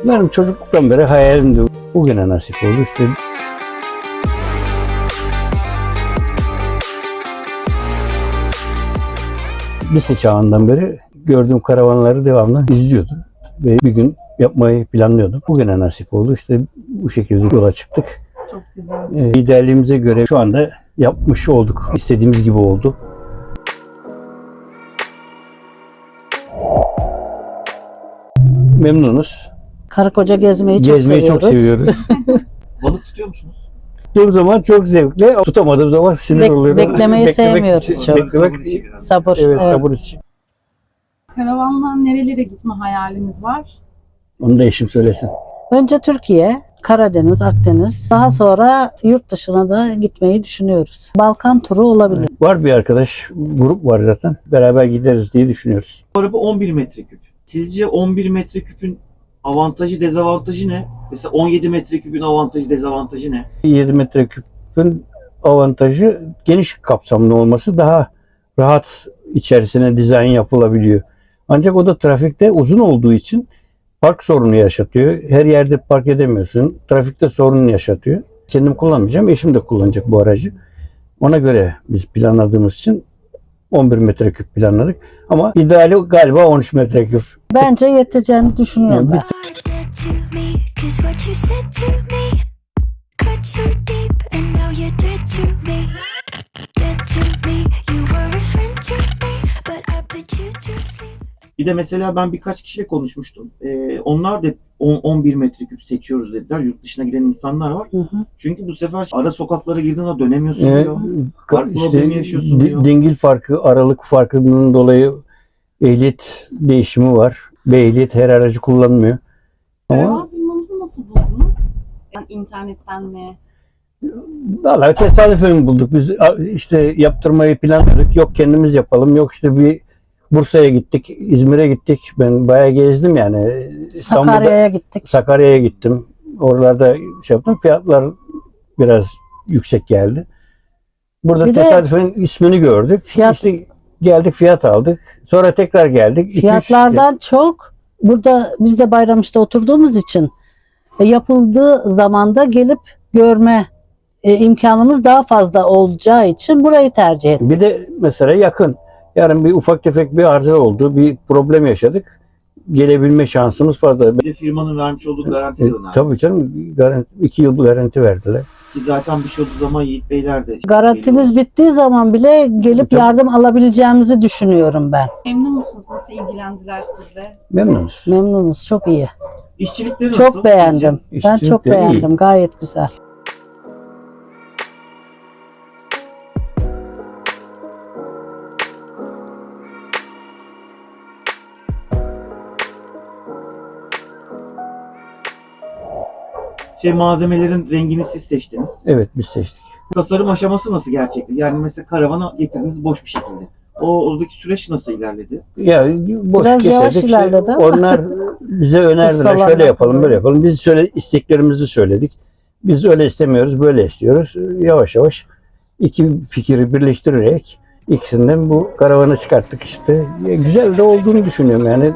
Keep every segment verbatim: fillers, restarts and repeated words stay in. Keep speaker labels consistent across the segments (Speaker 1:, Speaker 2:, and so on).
Speaker 1: Benim çocukluktan beri hayalimdi. Bugüne nasip oldu işte. Lise çağından beri gördüğüm karavanları devamlı izliyordum. Ve bir gün yapmayı planlıyordum. Bugüne nasip oldu. İşte bu şekilde yola çıktık.
Speaker 2: Çok güzel.
Speaker 1: Ee, idealimize göre şu anda yapmış olduk. İstediğimiz gibi oldu. Memnunuz.
Speaker 2: Karı koca gezmeyi çok
Speaker 1: Gezmeyi
Speaker 2: seviyoruz.
Speaker 1: çok seviyoruz.
Speaker 3: Balık tutuyor musunuz?
Speaker 1: Durduğum zaman çok zevkli. Tutamadığım zaman sinir
Speaker 2: Bek-
Speaker 1: oluyorum.
Speaker 2: beklemeyi sevmiyoruz
Speaker 1: için-
Speaker 2: çok.
Speaker 1: Beklemek,
Speaker 3: Sabır işi biraz.
Speaker 2: Sabır.
Speaker 1: evet,
Speaker 2: evet.
Speaker 1: sabır için.
Speaker 4: Karavanla nerelere gitme hayaliniz var?
Speaker 1: Onu da eşim söylesin.
Speaker 2: Önce Türkiye, Karadeniz, Akdeniz. Daha sonra yurt dışına da gitmeyi düşünüyoruz. Balkan turu olabilir.
Speaker 1: Var bir arkadaş, grup var zaten. Beraber gideriz diye düşünüyoruz.
Speaker 3: Bu araba on bir metreküp. Sizce on bir metreküpün avantajı, dezavantajı ne? Mesela on yedi metreküpün avantajı, dezavantajı ne?
Speaker 1: yedi metreküpün avantajı geniş kapsamlı olması, daha rahat içerisine dizayn yapılabiliyor. Ancak o da trafikte uzun olduğu için park sorunu yaşatıyor. Her yerde park edemiyorsun. Trafikte sorun yaşatıyor. Kendim kullanmayacağım. Eşim de kullanacak bu aracı. Ona göre biz planladığımız için on bir metreküp planladık. Ama ideali galiba on üç metreküp.
Speaker 2: Bence yeteceğini düşünüyorum
Speaker 1: Yani
Speaker 2: ben.
Speaker 5: Dead to me, 'cause what you said to me cut so deep, and now you're dead to me. Dead to me, you were a friend to me, but I put you to sleep.
Speaker 3: Bir de mesela ben birkaç kişiyle konuşmuştum. Ee, onlar da on on bir metreküp seçiyoruz dediler. Yurt dışına giden insanlar var.
Speaker 2: Hı hı.
Speaker 3: Çünkü bu sefer ara sokaklara girdiğinde dönemiyorsun
Speaker 1: Ee,
Speaker 3: diyor. Park problemi yaşıyorsun
Speaker 1: di-
Speaker 3: diyor.
Speaker 1: Dingil farkı, aralık farkının dolayı ehliyet değişimi var. Bir ehliyet her aracı kullanmıyor. Ama
Speaker 4: Karavan firmamızı nasıl buldunuz? Yani internetten mi?
Speaker 1: vallahi tesadüfen bulduk. Biz a- işte yaptırmayı planladık. Yok kendimiz yapalım. Yok işte bir Bursa'ya gittik, İzmir'e gittik. Ben bayağı gezdim yani. İstanbul'da,
Speaker 2: Sakarya'ya gittik.
Speaker 1: Sakarya'ya gittim. Oralarda şey yaptım. Fiyatlar biraz yüksek geldi. Burada
Speaker 2: Bir de
Speaker 1: tesadüfen ismini gördük.
Speaker 2: fiyat-
Speaker 1: İşte geldik, fiyat aldık. Sonra tekrar geldik. İki, üç-
Speaker 2: Fiyatlardan çok burada biz de Bayramış'ta oturduğumuz için e, yapıldığı zamanda gelip görme e, imkanımız daha fazla olacağı için burayı tercih ettik.
Speaker 1: Bir de mesela yakın. Yarın bir ufak tefek bir arıza oldu. Bir problem yaşadık. Gelebilme şansımız fazla.
Speaker 3: Bir de firmanın vermiş olduğu garanti
Speaker 1: E,
Speaker 3: de önemli.
Speaker 1: tabii canım. Garanti, iki yıl garanti verdiler.
Speaker 3: Ki zaten bir şey olduğu zaman Yiğit Beyler de
Speaker 2: Garantimiz bittiği zaman bile gelip
Speaker 1: Tabii.
Speaker 2: yardım alabileceğimizi düşünüyorum ben.
Speaker 4: Memnun musunuz? Nasıl ilgilendiler sizle?
Speaker 1: Memnunuz.
Speaker 2: Memnunuz, çok iyi.
Speaker 3: İşçilikleri nasıl?
Speaker 2: Çok beğendim.
Speaker 1: sizce?
Speaker 2: Ben
Speaker 1: İşçilik
Speaker 2: çok
Speaker 1: de iyi.
Speaker 2: beğendim. Gayet güzel.
Speaker 3: Şey, malzemelerin rengini siz seçtiniz.
Speaker 1: Evet, biz seçtik.
Speaker 3: Tasarım aşaması nasıl gerçekti? Yani mesela karavana getirdiniz boş bir şekilde. O oradaki süreç nasıl ilerledi?
Speaker 1: Ya boş
Speaker 2: Biraz yavaş
Speaker 1: getirdik. İşte
Speaker 2: ilerledi ama.
Speaker 1: onlar bize önerdiler.
Speaker 2: Ustalar
Speaker 1: Şöyle yapalım,
Speaker 2: yapıyor.
Speaker 1: böyle yapalım. Biz söyle isteklerimizi söyledik. Biz öyle istemiyoruz, böyle istiyoruz. Yavaş yavaş iki fikri birleştirerek ikisinden bu karavanı çıkarttık işte. Ya, güzel de olduğunu düşünüyorum yani.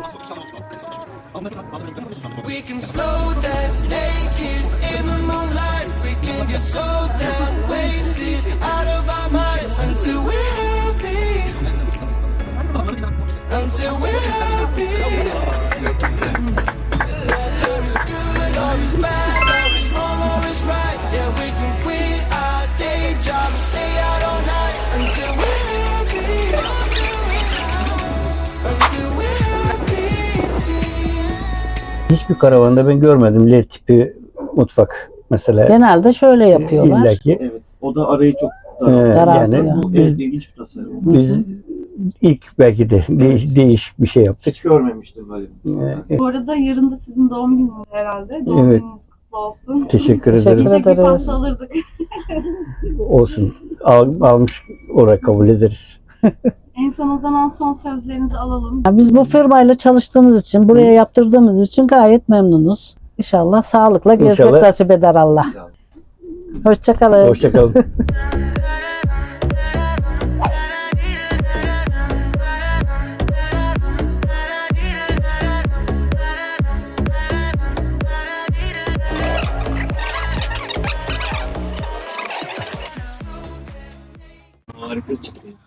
Speaker 6: We can slow dance naked in the moonlight. We can get so down, wasted, out of our minds until we're happy. Until we're happy. Whether it's good or it's bad, or it's wrong or it's right. Yeah, we can quit our day job and stay out all night until we're happy. Until we're happy.
Speaker 1: Hiçbir karavanda ben görmedim L tipi mutfak mesela.
Speaker 2: Genelde şöyle yapıyorlar.
Speaker 1: İlla ki.
Speaker 3: Evet. O da arayı çok
Speaker 1: Ee,
Speaker 3: daralttı.
Speaker 1: yani
Speaker 3: Bu
Speaker 1: biz,
Speaker 3: evet, ilginç bir tasarım.
Speaker 1: biz ilk belki de değiş, değişik bir şey yaptık.
Speaker 3: Hiç görmemiştim böyle bir.
Speaker 1: Ee,
Speaker 4: Bu arada yarın da sizin doğum gününüz herhalde. Doğum
Speaker 1: Evet.
Speaker 4: gününüz kutlu olsun.
Speaker 1: Teşekkür
Speaker 2: Teşekkür
Speaker 1: ederim.
Speaker 4: Bize bir
Speaker 2: ederiz.
Speaker 4: pasta alırdık.
Speaker 1: Olsun. Al, almış olarak kabul ederiz.
Speaker 4: En son o zaman son sözlerinizi alalım.
Speaker 2: Ya biz bu firmayla çalıştığımız için, buraya yaptırdığımız için gayet memnunuz. İnşallah sağlıkla gezmek
Speaker 1: İnşallah.
Speaker 2: nasip eder Allah. Hoşça kalın.
Speaker 1: Hoşçakalın.
Speaker 3: Harika çıktı.